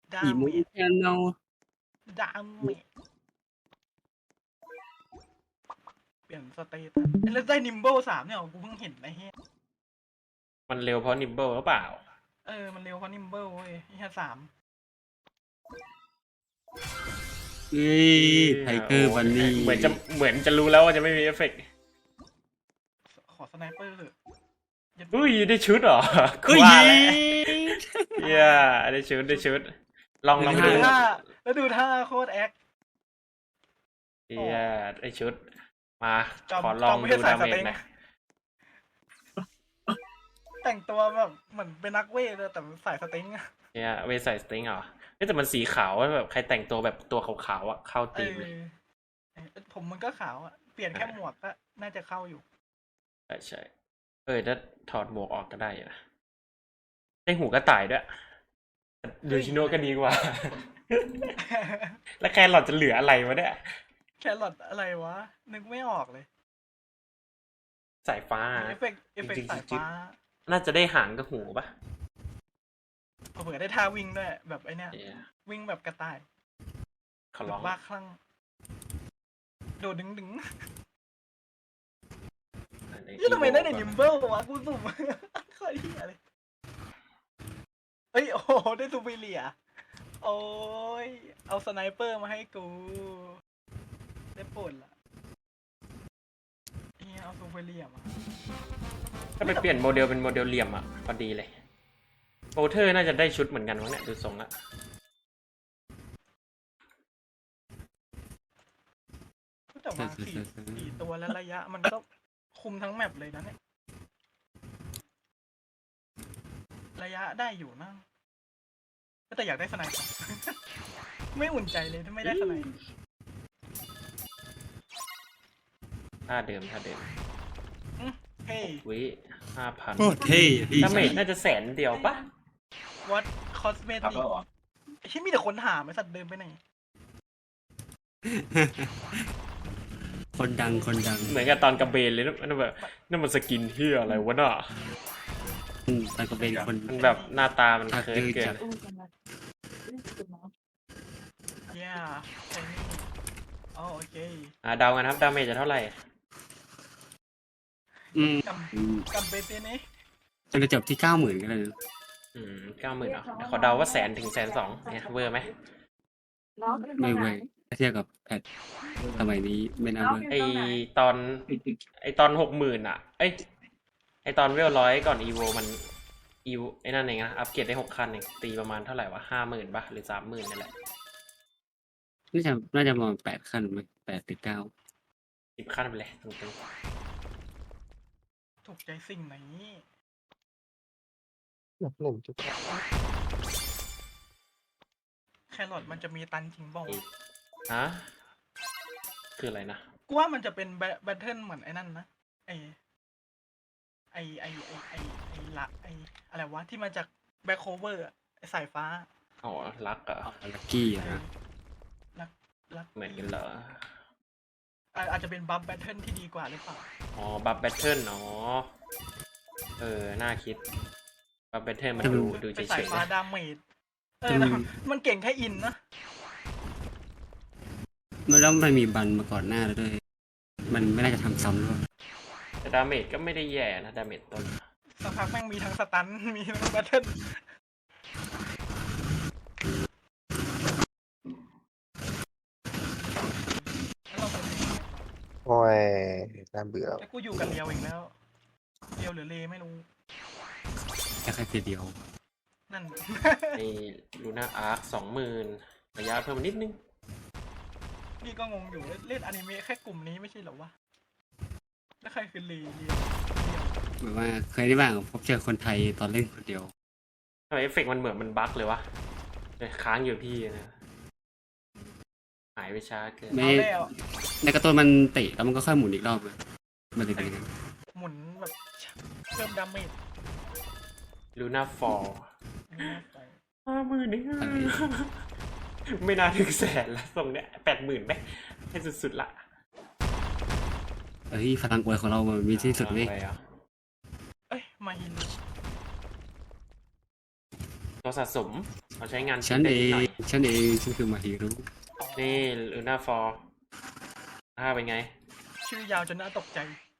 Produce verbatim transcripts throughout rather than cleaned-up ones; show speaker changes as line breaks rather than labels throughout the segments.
ดา
อีโม
เมจ
ชันแนล
ดาเมจเปลี่ยนสเตตัสแล้วได้นิมเบิลสามเนี่ยกูเพิ่งเห็นไอ้เหี้ย
มันเร็วเพราะนิมเบิลหรือเปล่า
เออมันเร็วเพราะนิมเบิลเว้ยไอ้เหี้ยสาม
เฮ้ยไทเกอร์บันนี่
เหมือนจะเหมือนจะรู้แล้วว่าจะไม่มีเอฟเฟกต์
ขอสไนเปอร์เถอะอย่า
อุ้ยได้ชุดเหรอ
เฮ้ย
ว่าแล้วเฮียได้ชุดได้ชุด ลองลอง
ดู
ดู
ท่าแล้วดูท่าโคตรแอค
เฮียได้ชุด มา
จอม
ขอลอง
จอมไม่
ดู
ใช่สา
ดาย เม
สเต็
จ
ง
หนะ
แต่งตัวแบบเหมือนเป็นนักเวทเลยแต่สายสเต็งอะ
เฮียเวใส่สติงเหรอเฮ้ยแต่มันสีขาวแบบใครแต่งตัวแบบตัวขาวๆอ่ะเข้า
เอ
ตีม
อ
เลย
ผมมันก็ขาวอะเปลี่ยนแค่หมวกก็น่าจะเข้าอยู่
ใช่ใช่เออถ้าถอดหมวกออกก็ได้อยู่นะได้หูกระต่ายด้วยดูชิโน่ก็ดีกว่า แล้วแครอทจะเหลืออะไรวะเนี่ย
แครอทอะไรวะ นึกไม่ออกเลย
สายฟ้า
เอฟเฟกต์เอฟเฟกต์สายฟ้า
น่าจะได้หางกับหูปะ
เผื่อได้ท่าวิ่งด้วยแบบไอเนี้ย
เหี้ย
วิ่งแบบกระต่าย
ขอ
แบ
ร้อบ ง
บ้าคลั่งโดดดึงดึงยี่ทำไมได้ในนิมเบิลวะกูสุ่ม เคยเหี้ยเลยเอ้ยโอ้โหได้ซูเปอร์เลียโอ้ยเอาสไนเปอร์มาให้กูได้ปวดละเนี่ยเอาซูเปอร์เลียมา
ถ้าไปเปลี่ยนโมเดลเป็นโมเดลเหลี่ยมอ่ะพอดีเลยโอเทอร์น่าจะได้ชุดเหมือนกันวะเนี่ยดูทรงละ
แต่ว่าสี่สี่ตัวแล้วระยะมันก็คุมทั้งแมปเลยนะเนี่ยระยะได้อยู่นะแต่อยากได้สไนเปอร์ ไม่อุ่นใจเลยถ้าไม่ได้สไนเปอร์
ท่าเดิมท่าเดิม
เฮ้ย
วิห้าพัน
โคตรเท่พี่
ดาเมจน่าจะแสนเดียวปะ
วัดคอสเมติกไอ้ที่มีแต่คนถามไอ้สัตว์เดินไปไหน
คนดังคนดัง
เหมือนกับตอนกระเบนเลยนะนั่นแบบนั่นมันสกินเฮียอะไรวะน่ะ
อืมแต่ก็เป็นคน
มันแบบหน้าตามัน
ทัก
เคิร์
ดื้
ฟ
อ
เกิ
จั
น
ด
เย้ใช่นี่อ๋อโอเค
อ่าเดากันครับดาเมจจะเท่าไหร่
อืม
ก
อืม
ำกำเบเตนี้
จะไปจบที่เก้าหมื่นก็ได้นะ
อืมเก้าหมื่นอ่ะเดี๋ยวขอเดาว่าแสนถึงแสนสองเนี่ยเวอร์ไหม
ไม่เว้ยถ้าเทียบกับแพทสมัยนี้ไม่น่าเว้ย
ไอตอนไอตอนหกหมื่นอ่ะเอ้ยไอตอนเวลร้อยก่อนอีโวมันอีโวไอนั่นเองนะอัปเกรดได้หกคันเองตีประมาณเท่าไหร่วะห้าหมื่นป่ะหรือสามหมื่นนั่นแหละ
น่าจะน่าจะประมาณแปดขั้นไหมแปดหรือเก้า
สิบขั้นไปเลยตรง
ถูกใจสิ่งไหน
หนึ่งหนึ่งจุด
แครอทมันจะมีตันจริงบ้าง
ๆฮะคืออะไรนะ
กูว่ามันจะเป็นแบทเทิลเหมือนไอ้นั่นนะไอไอไอไอไอไอละไออะไรวะที่มาจากแบ็คโคเวอร์ไอสายฟ้า
อ๋อรักเหรอ่ะ
ลักกี้อะนะ
รักรัก
เหมือนกันเหรอ
อ่ะอาจจะเป็นบัฟแบทเทิลที่ดีกว่าหรือเปล่า
อ๋อบัฟแบทเทิลอ๋อเออน่าคิดบัฟแบทเทิลมันดูดูเฉ
เป็นสาย
ย
ฟ้า
ๆนะ
ดาเมจเออแล้วมันเก่งแค่อินนะ
มันต้องมันมีบันมาก่อนหน้าแล้วด้วย มันไม่น่าจะทำซ้ำด้วย
แต่ดาเมจก็ไม่ได้แย่นะดาเมจต้น
สักพักแม่งมีทั้งสตัน มีทั้งแบทเทิลแล้วเราเป็น
โอ้ยน่าเบื่อ
แล้วกูอยู่กับเรียวอีกแล้วเรียวหรือเลไม่รู้
แค่แค่ทีเดียว
นั่น
ไอ้ลูน่าอาร์คสองหมื่นระยะเพิ่มมานิดนึง
นี่ก็งงอยู่เล่นอนิเมะแค่กลุ่มนี้ไม่ใช่เหรอวะ แล้วใครคือเลเรียว
แบบว่าเคยได้บ้างพบเจอคนไทยตอนเล่นคนเดียว
ทำไมเอฟเฟกต์มันเหมือนมันบั๊กเลยวะเลยค้างอยู่ที่นะหายไปช้าเกิน
ไม่
เอาแล้ว
ในการ์ตูนมันเตะแล้วมันก็ค่อยหมุนอีกรอบเลยมันเลยเป็นอย่างนั้น
หมุนแบบเพิ่มดาเมจ
ลูน่าฟอล
นี่นะไป
ห้าหมื่นนี่ไม่น่าถึงแสนละตรงเนี้ยแปดหมื่นไหมให้สุดๆละ
เอ้ยพลังอวยของเรามันมีที่สุดเว้ย
อะไรอ่ะ
เอ้ย มาฮิน
ตัวสะสมเอาใช้งาน
ฉัน
ได้
เอ
นิด
ง
หน่อย
ฉันเองฉันคือมาฮีรุ
นี่ลูน่าฟอร์อ่าเป็นไง
ชื่อยาวจนน่าตกใจ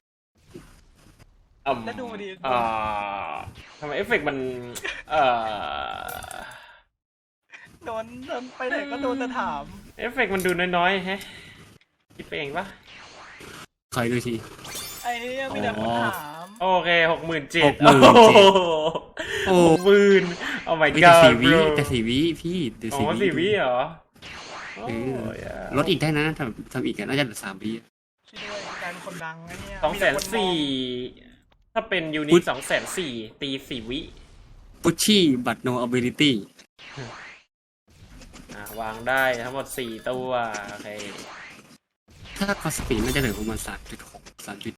อืม
แล้วดูดิ
อ่าทำไมเอฟเฟกต์มัน เอ่อ
โดนโดนไปไหนก็โดนแต่ถาม
เอฟเฟกต์มันดูน้อยๆแฮะคิดไปเองปะ
คอยดูที
ไอ้เนี่ยมีแต่คนถาม
โอเคหกหมื่นเจ็ด
หกหมื่นเจ็ด โอ้
หกหมื่นโอ้ my
ไม่แต่
god
สี่วิ
bro
แต่สี่วิพี่แต่
อ๋
สี่
อ
วิ
สี่วิเหรอโอ้
เออ
ยอะ
ลดอีกได้นะทำทำอีกอะน่าจะเหลือสามวิ
ช่วยด้วยกลายเป็นคนดังไอ้เนี่ย
สองแสน
มีต่คม
สี่
อง
ถ้าเป็นยูนิ
พุ
ต
ทธ
สองแสนสี่ตีสี่วิ
พุชชี่บัตโนอ ability
อ่ะวางได้ทั้งหมดสี่ตัว โอเค
ถ้าคอสปีดน่าจะเหลือประมาณสามจุดหกสามจุด